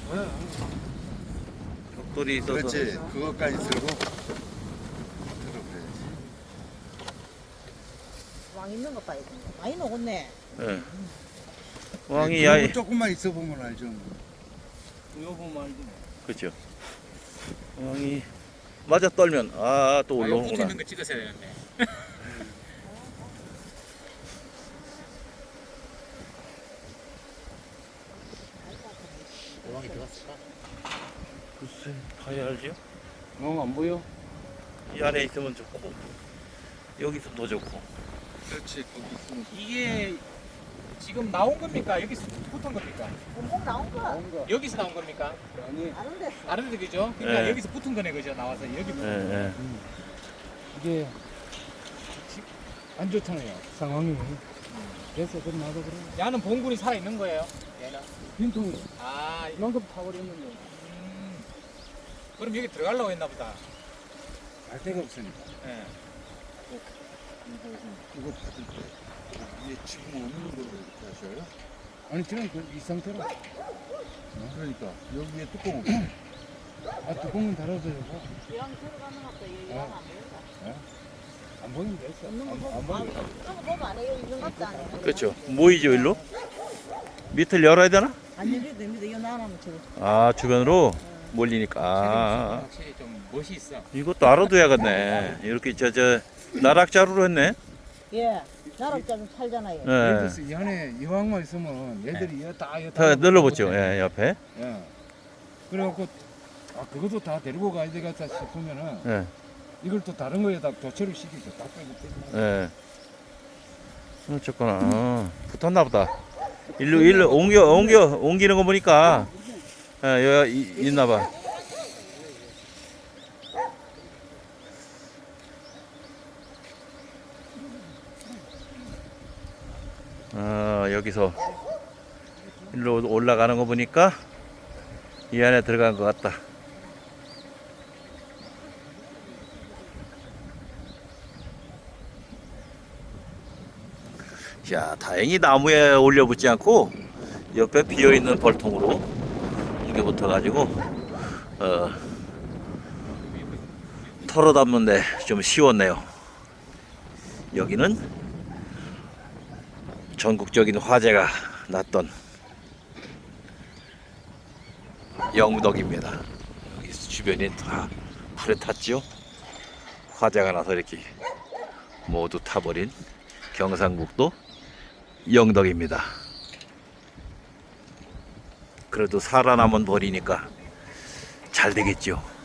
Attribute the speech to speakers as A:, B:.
A: 벽돌이 있어서.
B: 그렇지. 그것까지 들고 들어
C: 왕 있는 거 봐야 돼. 많이 먹었네.
A: 예.
B: 그래야지.
A: 왕이 야이.
B: 그거 조금만 있어 보면 알죠.
D: 이거 보면 알지.
A: 그렇죠. 왕이 맞아 떨면 또
D: 붙어
A: 올라오는구나.
D: 있는 거 찍으셔야 되는데.
B: 왕이 들어갔을까?
A: 글쎄 봐야 알죠.
D: 안 보여?
A: 이 안에 있으면 좋고 여기 있으면 더 좋고.
B: 그렇지. 거기 있으면
D: 이게 지금 나온 겁니까? 여기서 붙은 겁니까?
C: 꼭 나온 거.
B: 나온 거.
D: 여기서 나온 겁니까?
B: 아니
C: 다른 데서.
D: 다른 데 그죠? 그러니까
A: 예.
D: 여기서 붙은 거네 그죠? 나와서 여기 붙은 거.
A: 예.
E: 이게 안 좋잖아요 상황이. 그래서 그럼 나도 그래
D: 야는 봉군이 살아 있는 거예요? 얘는.
E: 빈통으로
D: 아,
E: 이만큼 타버렸는데
D: 그럼 여기 들어가려고 했나 보다.
B: 갈 데가 없으니까.
D: 예.
B: 이거 받을 때 이게 지금 없는 걸로 이렇게 하셔요?
E: 아니 지금 이 상태로
B: 그러니까 여기에 뚜껑 없어.
E: 뚜껑은 달아줘요.
C: 이왕 들어가는 것도 이왕 안 보인다.
E: 안 보이면 됐어.
C: 있는 거
B: 안
C: 보고
B: 보여.
C: 그런 거 보면 안 해요. 있는 것도 안 해요.
A: 그렇죠. 모이죠 일로. 밑을 열어야 되나?
C: 안 열려도 됩니다. 이거 나가면 저거.
A: 주변으로 몰리니까.
D: 확실히 좀 멋이 있어.
A: 이것도 알아둬야겠네. 이렇게 나락자루로 했네.
C: 예. 나락자 좀 살잖아요.
E: 예를
A: 예.
E: 들어서 이 안에 이왕만 있으면 얘들이 다
A: 다 늘러붙죠. 예, 옆에.
E: 예. 그래갖고 그것도 다 데리고 가야 되겠다 싶으면은
A: 예.
E: 이걸 또 다른 거에다 교체를 시키죠. 다 빼고 빼고.
A: 예. 어쨌거나 붙었나 보다. 일로 옮기는 거 보니까 여기 있나 봐. 여기서 일로 올라가는 거 보니까 이 안에 들어간 것 같다. 자, 다행히 나무에 올려붙지 않고 옆에 비어있는 벌통으로 이게 붙어가지고 털어 담는데 좀 쉬웠네요. 여기는 전국적인 화재가 났던 영덕입니다. 여기 주변이 다 불에 탔죠. 화재가 나서 이렇게 모두 타버린 경상북도 영덕입니다. 그래도 살아남은 벌이니까 잘 되겠죠.